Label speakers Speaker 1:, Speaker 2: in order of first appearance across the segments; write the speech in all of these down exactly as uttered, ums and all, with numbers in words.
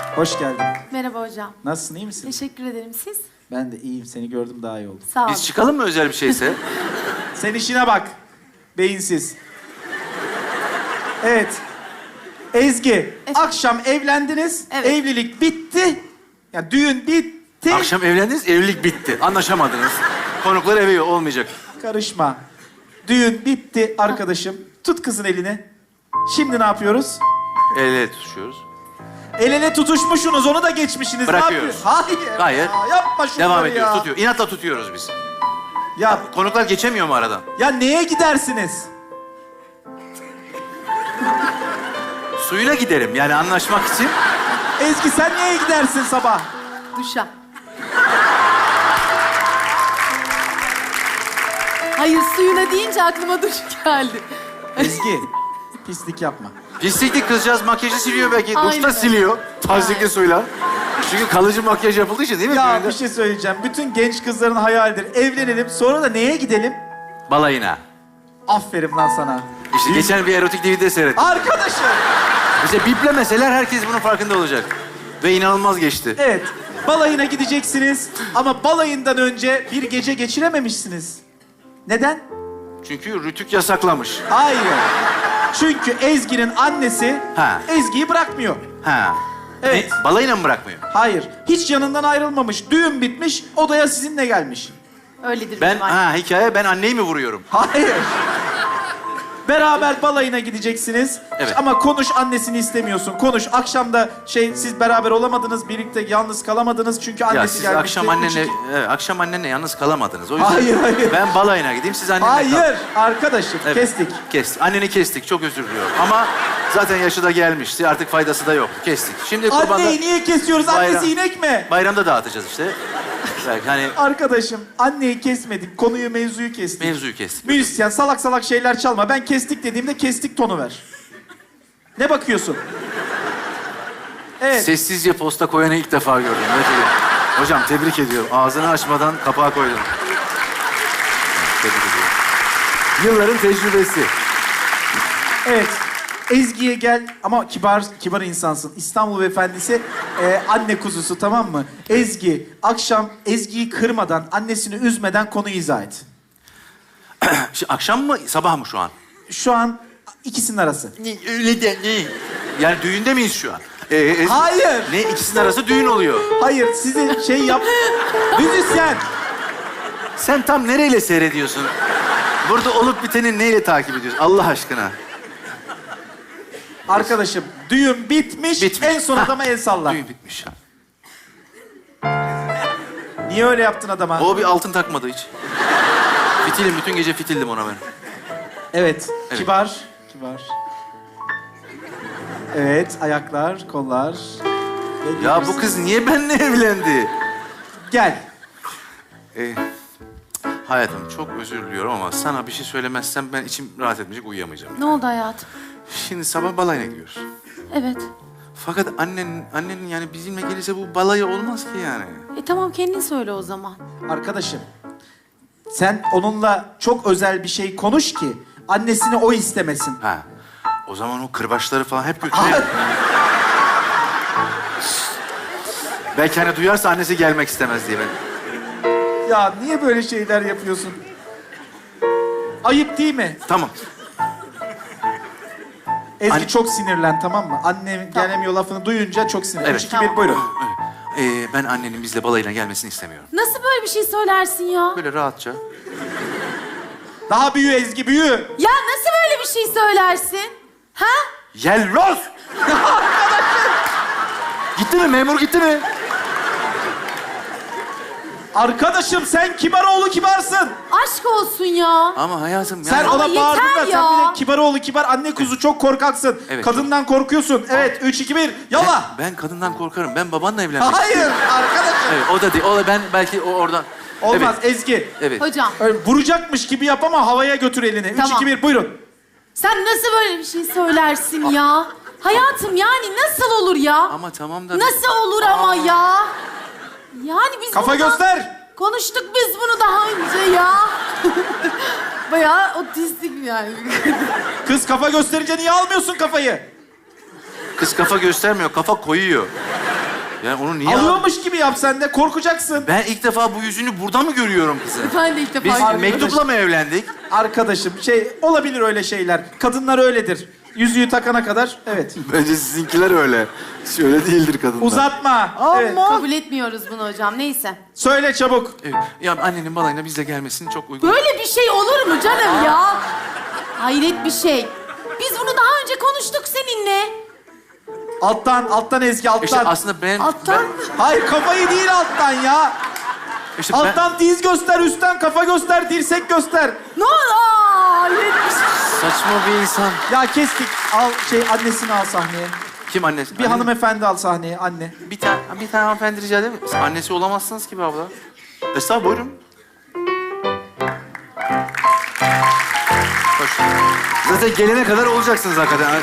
Speaker 1: Hoş geldin.
Speaker 2: Merhaba hocam.
Speaker 1: Nasılsın, iyi misin?
Speaker 2: Teşekkür ederim. Siz?
Speaker 1: Ben de iyiyim. Seni gördüm daha iyi oldu.
Speaker 2: Sağ olun.
Speaker 3: Biz çıkalım mı özel bir şeyse?
Speaker 1: Sen işine bak. Beyinsiz. Evet. Ezgi, akşam evlendiniz.
Speaker 2: Evet.
Speaker 1: Evlilik bitti. Ya düğün bitti.
Speaker 3: Akşam evlendiniz, evlilik bitti. Anlaşamadınız. Konuklar eve olmayacak.
Speaker 1: Karışma. Düğün bitti arkadaşım. Tut kızın elini. Şimdi ne yapıyoruz?
Speaker 3: El ele tutuşuyoruz.
Speaker 1: El ele tutuşmuşsunuz, onu da geçmişsiniz.
Speaker 3: Bırakıyoruz.
Speaker 1: Ne yapıyorsun? Hayır.
Speaker 3: Hayır.
Speaker 1: Ya, yapma şunları
Speaker 3: Devam
Speaker 1: ya.
Speaker 3: ediyoruz, tutuyor. İnatla tutuyoruz biz.
Speaker 1: Ya,
Speaker 3: Konuklar geçemiyor mu aradan?
Speaker 1: ya neye gidersiniz?
Speaker 3: Suyuna giderim yani anlaşmak için.
Speaker 1: Ezgi sen neye gidersin sabah?
Speaker 2: Duşa. Hayır, suyuna deyince aklıma duş geldi.
Speaker 1: Ezgi, pislik yapma.
Speaker 3: Pislikli kızcağız makyajı siliyor belki.
Speaker 2: Aynen
Speaker 3: Duşta
Speaker 2: öyle.
Speaker 3: siliyor. Tazikli
Speaker 2: Aynen.
Speaker 3: suyla. Çünkü kalıcı makyaj yapıldığı için değil mi?
Speaker 1: Ya
Speaker 3: düğünde?
Speaker 1: bir şey söyleyeceğim. Bütün genç kızların hayalidir. Evlenelim, sonra da neye gidelim?
Speaker 3: Balayına.
Speaker 1: Aferin lan sana.
Speaker 3: İşte geçen bir erotik D V D seyrettim.
Speaker 1: Arkadaşım.
Speaker 3: İşte biplemeseler herkes bunun farkında olacak. Ve inanılmaz geçti.
Speaker 1: Evet, balayına gideceksiniz ama balayından önce bir gece geçirememişsiniz. Neden?
Speaker 3: Çünkü Rütük yasaklamış.
Speaker 1: Hayır. Çünkü Ezgi'nin annesi
Speaker 3: Ha.
Speaker 1: Ezgi'yi bırakmıyor.
Speaker 3: Ha.
Speaker 1: Evet.
Speaker 3: Ne? Balayına mı bırakmıyor?
Speaker 1: Hayır, hiç yanından ayrılmamış. Düğün bitmiş, odaya sizinle gelmiş.
Speaker 2: Öyledir
Speaker 3: Ben,
Speaker 2: benim annem.
Speaker 3: ha hikaye ben anneyi mi vuruyorum?
Speaker 1: Hayır. Beraber balayına gideceksiniz.
Speaker 3: Evet.
Speaker 1: Ama konuş, annesini istemiyorsun. Konuş. Akşam da şey siz beraber olamadınız, birlikte yalnız kalamadınız çünkü annesi
Speaker 3: Ya siz
Speaker 1: gelmişti.
Speaker 3: akşam annenle,
Speaker 1: Üç-
Speaker 3: evet, akşam annenle yalnız kalamadınız. O yüzden
Speaker 1: Hayır, hayır.
Speaker 3: ben balayına gideyim, siz annenle kalın.
Speaker 1: Hayır, arkadaşım
Speaker 3: Evet,
Speaker 1: kestik.
Speaker 3: Kestik. Anneni kestik. Çok özür diliyorum. Ama zaten yaşı da gelmişti. Artık faydası da yok. Kestik. Şimdi kurbanda...
Speaker 1: Anneyi niye kesiyoruz?
Speaker 3: Bayram-
Speaker 1: Annesi inek mi?
Speaker 3: Bayramda dağıtacağız işte. Belki hani
Speaker 1: Arkadaşım, anneyi kesmedik. Konuyu, mevzuyu kestik.
Speaker 3: mevzuyu kestik.
Speaker 1: Müzisyen, salak salak şeyler çalma. Ben kestik dediğimde kestik tonu ver. Ne bakıyorsun? Evet.
Speaker 3: Sessizce posta koyanı ilk defa gördüm. Evet, evet. Hocam tebrik ediyorum. Ağzını açmadan kapağı koydun. Tebrik ediyorum. Yılların tecrübesi.
Speaker 1: Evet. Ezgi'ye gel ama kibar kibar insansın. İstanbul Beyefendisi e, anne kuzusu, tamam mı? Ezgi, akşam Ezgi'yi kırmadan, annesini üzmeden konuyu izah et.
Speaker 3: Şimdi akşam mı, sabah mı şu an?
Speaker 1: Şu an ikisinin arası.
Speaker 3: Ne, öyle de ne? Yani düğünde miyiz şu an? Ee, e-
Speaker 1: Hayır.
Speaker 3: Ne, ikisinin arası düğün oluyor.
Speaker 1: Hayır, sizi şey yap... Müzisyen.
Speaker 3: Sen tam nereyle seyrediyorsun? Burada olup biteni neyle takip ediyorsun? Allah aşkına.
Speaker 1: Arkadaşım, düğün bitmiş,
Speaker 3: Bitmiş.
Speaker 1: en son
Speaker 3: Hah.
Speaker 1: adama el salla.
Speaker 3: Düğün bitmiş.
Speaker 1: Niye öyle yaptın adama?
Speaker 3: O bir altın takmadı hiç. Fitilim, bütün gece fitildim ona ben.
Speaker 1: Evet,
Speaker 3: Evet.
Speaker 1: kibar, kibar. Evet, ayaklar, kollar. Ve
Speaker 3: Ya bu
Speaker 1: gelirsin.
Speaker 3: kız niye benimle evlendi?
Speaker 1: Gel.
Speaker 3: Ee, hayatım çok özür diliyorum ama sana bir şey söylemezsem ben içim rahat etmeyecek, uyuyamayacağım.
Speaker 2: Ne oldu hayatım?
Speaker 3: Şimdi sabah balayına gidiyoruz.
Speaker 2: Evet.
Speaker 3: Fakat annen, annenin yani bizimle gelirse bu balayı olmaz ki yani.
Speaker 2: E tamam, kendin söyle o zaman.
Speaker 1: Arkadaşım, sen onunla çok özel bir şey konuş ki annesini o istemesin.
Speaker 3: Ha. O zaman o kırbaçları falan hep
Speaker 1: Hayır.
Speaker 3: götüreyim. Belki hani duyarsa annesi gelmek istemez diye ben.
Speaker 1: Ya niye böyle şeyler yapıyorsun? Ayıp değil mi?
Speaker 3: Tamam.
Speaker 1: Ezgi
Speaker 3: Anne-
Speaker 1: çok sinirlen, tamam mı? Annem gelemiyor lafını duyunca çok sinirlen.
Speaker 3: Evet.
Speaker 1: Üç, iki, bir, buyurun.
Speaker 3: Ee, ben annenin bizle balayına gelmesini istemiyorum.
Speaker 2: Nasıl böyle bir şey söylersin ya?
Speaker 3: Böyle rahatça.
Speaker 1: Daha büyü Ezgi, büyü.
Speaker 2: Ya nasıl böyle bir şey söylersin? Ha?
Speaker 3: Yelloz! Gitti mi? Memur gitti mi?
Speaker 1: Arkadaşım sen Kibaroğlu kibarsın.
Speaker 2: Aşk olsun ya.
Speaker 3: Ama hayatım
Speaker 1: Sen
Speaker 3: yani...
Speaker 2: Ama
Speaker 1: ona bağırdın
Speaker 2: yeter
Speaker 1: da sen
Speaker 2: ya.
Speaker 1: bir de Kibaroğlu kibar, anne kuzu çok korkaksın.
Speaker 3: Evet,
Speaker 1: Kadından korkuyorsun. Evet, üç, iki, bir, yalla.
Speaker 3: Ben, ben kadından korkarım. Ben babanla evlenmek
Speaker 1: Hayır arkadaşım.
Speaker 3: Evet, o da değil. O da ben belki o oradan...
Speaker 1: Olmaz
Speaker 3: Evet,
Speaker 1: Ezgi.
Speaker 3: evet.
Speaker 2: Hocam,
Speaker 1: Öyle vuracakmış gibi yap ama havaya götür elini. Üç,
Speaker 2: Tamam.
Speaker 1: iki, bir, buyurun.
Speaker 2: sen nasıl böyle bir şey söylersin ya? Hayatım yani nasıl olur ya?
Speaker 3: Ama tamam da...
Speaker 2: Nasıl olur ama ya? Yani biz
Speaker 1: Kafa
Speaker 2: bundan
Speaker 1: göster.
Speaker 2: konuştuk biz bunu daha önce ya. Bayağı otistik yani.
Speaker 1: Kız kafa gösterince niye almıyorsun kafayı?
Speaker 3: Kız kafa göstermiyor, kafa koyuyor. Yani onu niye...
Speaker 1: Alıyormuş gibi yap sen de, korkacaksın.
Speaker 3: Ben ilk defa bu yüzünü burada mı görüyorum kızı?
Speaker 2: Ben de ilk defa
Speaker 3: Biz
Speaker 2: görüyorum.
Speaker 3: mektupla mı evlendik?
Speaker 1: Arkadaşım şey olabilir öyle şeyler. Kadınlar öyledir. Yüzüğü takana kadar evet.
Speaker 3: Bence sizinkiler öyle. Öyle değildir kadınlar.
Speaker 1: Uzatma. Evet.
Speaker 2: Kabul etmiyoruz bunu hocam. Neyse.
Speaker 1: Söyle çabuk.
Speaker 3: Evet. Ya annenin balayına bizle gelmesini çok uygun.
Speaker 2: Böyle bir şey olur mu canım ya? Hayret bir şey. Biz bunu daha önce konuştuk seninle.
Speaker 1: Alttan, alttan Ezgi, alttan.
Speaker 3: İşte aslında ben...
Speaker 2: Alttan.
Speaker 1: Hayır kafayı değil alttan ya.
Speaker 3: Ben, işte ben-
Speaker 1: Alttan diz göster, üstten kafa göster, dirsek göster.
Speaker 2: Ne oldu? Aa, hayret bir şey.
Speaker 3: saçma bir insan.
Speaker 1: Ya kestik. Al şey annesini al sahneye.
Speaker 3: Kim annesi?
Speaker 1: Bir
Speaker 3: Anne-
Speaker 1: hanımefendi al sahneye, anne.
Speaker 3: Bir tane, bir tane hanımefendi rica eder mi? Siz annesi olamazsınız ki be abla. Estağfurullah, buyurun. Hoş. Zaten gelene kadar olacaksınız hakikaten.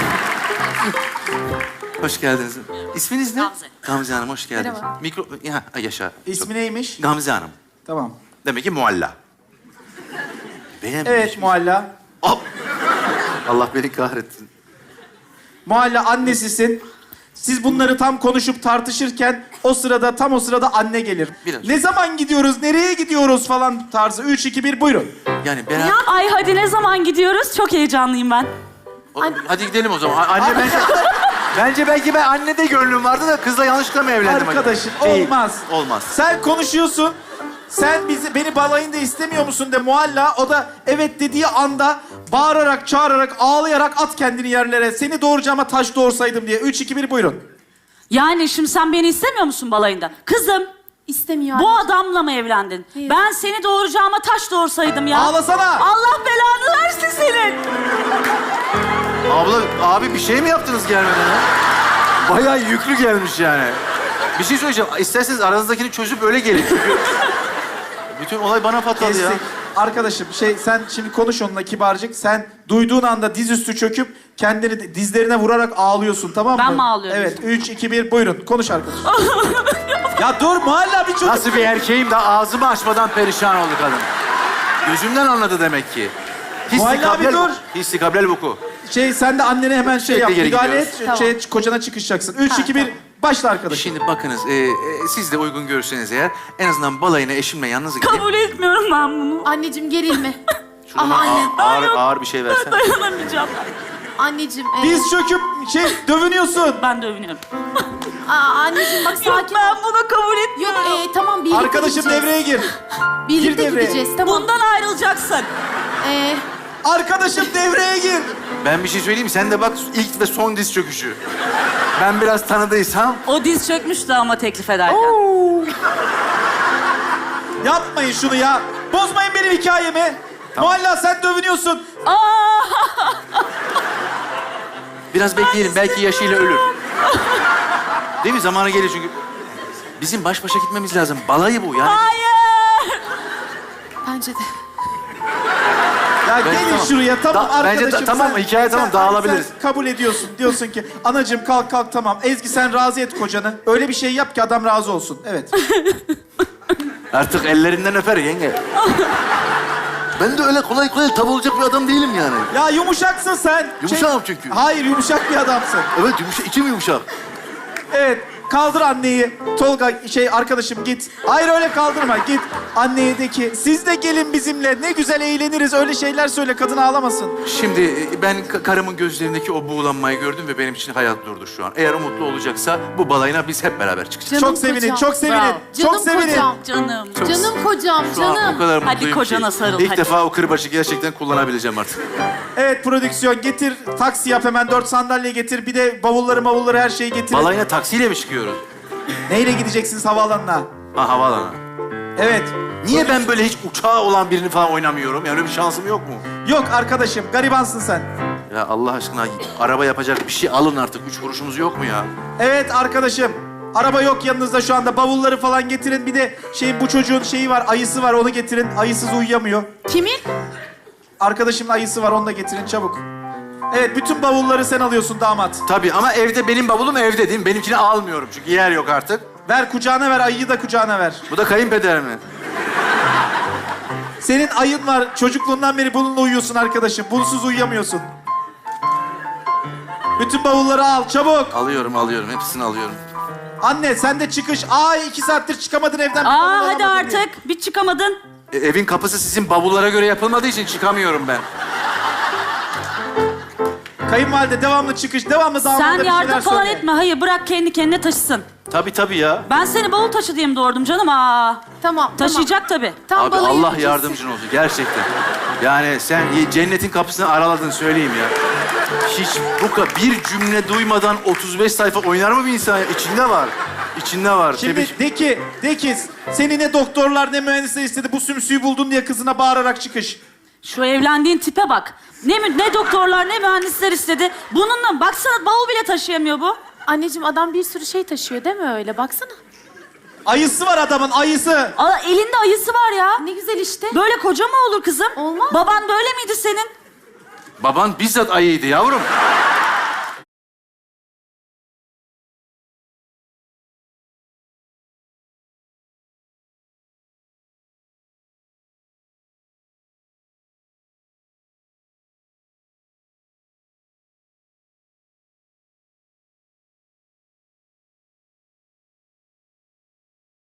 Speaker 3: Hoş geldiniz. İsminiz ne?
Speaker 2: Gamze.
Speaker 3: Gamze Hanım, hoş geldiniz.
Speaker 2: Merhaba.
Speaker 3: Mikro... Ya, yaşa.
Speaker 1: İsmi neymiş?
Speaker 3: Gamze Hanım.
Speaker 1: Tamam.
Speaker 3: Demek ki mualla. Beğenmemiş
Speaker 1: Evet
Speaker 3: mi?
Speaker 1: Mualla.
Speaker 3: Oh! Allah beni kahretsin.
Speaker 1: Mualla annesisin. Siz bunları tam konuşup tartışırken o sırada, tam o sırada anne gelir.
Speaker 3: Biraz.
Speaker 1: Ne zaman gidiyoruz, nereye gidiyoruz falan tarzı. Üç, iki, bir buyurun.
Speaker 3: Yani beraber...
Speaker 4: Ay hadi ne zaman gidiyoruz? Çok heyecanlıyım ben.
Speaker 3: O- Hadi gidelim o zaman. A- Anne bence... bence belki ben annede gönlüm vardı da kızla yanlışlıkla mı evlendim?
Speaker 1: Arkadaşım
Speaker 3: acaba? Değil,
Speaker 1: olmaz.
Speaker 3: Olmaz.
Speaker 1: Sen konuşuyorsun. Sen bizi beni balayında istemiyor musun de Mualla. O da evet dediği anda bağırarak, çağırarak, ağlayarak at kendini yerlere. Seni doğuracağıma taş doğursaydım diye. Üç, iki, bir buyurun.
Speaker 4: Yani şimdi sen beni istemiyor musun balayında? Kızım,
Speaker 2: İstemiyor.
Speaker 4: bu adamla mı evlendin?
Speaker 2: Hayır.
Speaker 4: Ben seni doğuracağıma taş doğursaydım ya.
Speaker 1: Ağlasana.
Speaker 4: Allah belanı versin senin.
Speaker 3: Abla, abi bir şey mi yaptınız gelmeden ha? Bayağı yüklü gelmiş yani. Bir şey söyleyeceğim. İsterseniz aranızdakini çözüp öyle gelin. Çünkü bütün olay bana patladı ya.
Speaker 1: Kestik. Arkadaşım şey sen şimdi konuş onunla kibarcık. Sen duyduğun anda dizüstü çöküp kendini dizlerine vurarak ağlıyorsun tamam mı?
Speaker 4: Ben mi ağlıyorum?
Speaker 1: Evet. Üç, iki, bir buyurun. Konuş arkadaşım. Ya dur Mualla bir çocuk.
Speaker 3: Nasıl bir erkeğim de ağzımı açmadan perişan oldu kadın. Gözümden anladı demek ki.
Speaker 1: Mualla abi dur.
Speaker 3: Hissikablel vuku.
Speaker 1: Şey sen de annene hemen şey yap.
Speaker 3: Sürekli geri
Speaker 1: Müdahale
Speaker 3: gidiyoruz.
Speaker 1: et.
Speaker 2: Tamam.
Speaker 1: Şey, kocana çıkışacaksın. Üç, iki, bir başla arkadaşım.
Speaker 3: Şimdi bakınız, e, e, siz de uygun görürseniz eğer en azından balayına eşimle yalnız gidin.
Speaker 4: Kabul etmiyorum ben bunu.
Speaker 2: Anneciğim gerilme.
Speaker 3: Şuradan
Speaker 2: Ama anne.
Speaker 3: ağır, ağır,
Speaker 4: Ay yok.
Speaker 3: ağır bir şey versen.
Speaker 4: Dayanamayacağım.
Speaker 2: Anneciğim. e,
Speaker 1: Diz çöküp şey dövünüyorsun.
Speaker 4: Ben de övünüyorum.
Speaker 2: Aa, anneciğim bak
Speaker 4: Yok
Speaker 2: sakin
Speaker 4: ben
Speaker 2: ol.
Speaker 4: bunu kabul
Speaker 2: Yok
Speaker 4: etmiyorum.
Speaker 2: e, tamam birlikte
Speaker 1: Arkadaşım
Speaker 2: gideceğiz.
Speaker 1: devreye gir.
Speaker 2: Birlikte
Speaker 1: Gir devreye.
Speaker 2: gideceğiz tamam.
Speaker 4: Bundan ayrılacaksın.
Speaker 2: E,
Speaker 1: Arkadaşım devreye gir.
Speaker 3: Ben bir şey söyleyeyim mi? Sen de bak ilk ve son diz çöküşü. Ben biraz tanıdıysam...
Speaker 4: O diz çökmüştü ama teklif ederken.
Speaker 1: Yapmayın şunu ya. Bozmayın benim hikayemi. Mualla sen dövünüyorsun.
Speaker 4: Aa!
Speaker 3: Biraz bekleyelim. Belki yaşıyla ölür. Değil mi? Zamanı gelir çünkü. Bizim baş başa gitmemiz lazım. Balayı bu yani.
Speaker 4: Hayır!
Speaker 2: bence de.
Speaker 1: Ya
Speaker 3: Bence
Speaker 1: gelin
Speaker 3: tamam.
Speaker 1: şuraya tamam
Speaker 3: Da- bence
Speaker 1: arkadaşım.
Speaker 3: ta- tamam, hikaye tamam, dağılabiliriz.
Speaker 1: Sen kabul ediyorsun. Diyorsun ki anacığım kalk kalk tamam. Ezgi sen razı et kocanı. Öyle bir şey yap ki adam razı olsun. Evet.
Speaker 3: Artık ellerinden öper yenge. Ben de öyle kolay kolay tav olacak bir adam değilim yani.
Speaker 1: Ya yumuşaksın sen.
Speaker 3: Yumuşağım çünkü.
Speaker 1: Hayır yumuşak bir adamsın.
Speaker 3: Evet, yumuşak, içim yumuşak.
Speaker 1: Evet. Kaldır anneyi. Tolga şey arkadaşım git. Hayır öyle kaldırma git. Anneye de ki siz de gelin bizimle. Ne güzel eğleniriz. Öyle şeyler söyle kadın ağlamasın.
Speaker 3: Şimdi e, ben ka- karımın gözlerindeki o buğulanmayı gördüm ve benim için hayat durdu şu an. Eğer o mutlu olacaksa bu balayına biz hep beraber çıkacağız.
Speaker 2: Canım
Speaker 1: çok sevinin,
Speaker 2: kocam.
Speaker 1: çok sevinin.
Speaker 4: Bravo.
Speaker 1: Çok
Speaker 2: Canım
Speaker 1: sevinin.
Speaker 2: kocam.
Speaker 4: Canım.
Speaker 3: Çok-
Speaker 2: Canım kocam
Speaker 3: Şu an o
Speaker 2: canım.
Speaker 3: kadar
Speaker 4: Hadi
Speaker 3: mutluyum
Speaker 4: kocana
Speaker 3: ki.
Speaker 4: sarıl,
Speaker 3: İlk
Speaker 4: hadi.
Speaker 3: defa o kırbaçı gerçekten kullanabileceğim artık.
Speaker 1: Evet prodüksiyon getir. Taksi yap hemen. Dört sandalye getir. Bir de bavulları mavulları her şeyi getir.
Speaker 3: Balayına taksiyle mi çıkıyoruz?
Speaker 1: Neyle gideceksiniz havaalanına?
Speaker 3: Ha, havaalanı.
Speaker 1: Evet.
Speaker 3: Niye ben böyle hiç uçağı olan birini falan oynamıyorum? Yani öyle bir şansım yok mu?
Speaker 1: Yok arkadaşım garibansın sen.
Speaker 3: Ya Allah aşkına araba yapacak bir şey alın artık. Üç kuruşumuz yok mu ya?
Speaker 1: Evet arkadaşım. Araba yok yanınızda şu anda. Bavulları falan getirin. Bir de şey bu çocuğun şeyi var, ayısı var. Onu getirin. Ayısız uyuyamıyor.
Speaker 2: Kimin?
Speaker 1: Arkadaşımın ayısı var. Onu da getirin çabuk. Evet bütün bavulları sen alıyorsun damat.
Speaker 3: Tabii ama evde benim bavulum evde değil mi? Benimkini almıyorum çünkü yer yok artık.
Speaker 1: Ver kucağına ver. Ayıyı da kucağına ver.
Speaker 3: Bu da kayınpeder mi?
Speaker 1: Senin ayın var. Çocukluğundan beri bununla uyuyorsun arkadaşım. Bunsuz uyuyamıyorsun. Bütün bavulları al çabuk.
Speaker 3: Alıyorum, alıyorum. Hepsini alıyorum.
Speaker 1: Anne sen de çıkış. Ay iki saattir çıkamadın evden. bir
Speaker 4: Aa
Speaker 1: bavul
Speaker 4: hadi
Speaker 1: alamadın diye.
Speaker 4: artık. Bir çıkamadın.
Speaker 3: E, evin kapısı sizin bavullara göre yapılmadığı için çıkamıyorum ben.
Speaker 1: Kayınvalide devamlı çıkış. Devamlı damada
Speaker 4: Sen
Speaker 1: bir şeyler
Speaker 4: yardım falan
Speaker 1: söyle.
Speaker 4: etme. Hayır bırak kendi kendine taşısın.
Speaker 3: Tabii tabii ya.
Speaker 4: Ben seni bavul taşı diye mi doğurdum canım? Aa.
Speaker 2: Tamam,
Speaker 4: Taşıyacak tabii.
Speaker 2: Tam
Speaker 3: Abi
Speaker 2: balayı
Speaker 3: Allah
Speaker 2: kesin.
Speaker 3: yardımcın olsun gerçekten. Yani sen cennetin kapısını araladın söyleyeyim ya. Hiç bu kadar bir cümle duymadan otuz beş sayfa oynar mı bir insan? İçinde var. İçinde var.
Speaker 1: Şimdi
Speaker 3: Tebrik-
Speaker 1: de ki, de ki seni ne doktorlar ne mühendisler istedi. Bu sümsüyü buldun diye kızına bağırarak çıkış.
Speaker 4: Şu evlendiğin tipe bak. Ne mü- ne doktorlar ne mühendisler istedi. Bununla baksana bavul bile taşıyamıyor bu.
Speaker 2: Anneciğim adam bir sürü şey taşıyor değil mi öyle? Baksana.
Speaker 1: Ayısı var adamın ayısı.
Speaker 4: Aa, elinde ayısı var ya.
Speaker 2: Ne güzel işte.
Speaker 4: Böyle koca mı olur kızım?
Speaker 2: Olmaz.
Speaker 4: Baban böyle miydi senin?
Speaker 3: Baban bizzat ayıydı yavrum.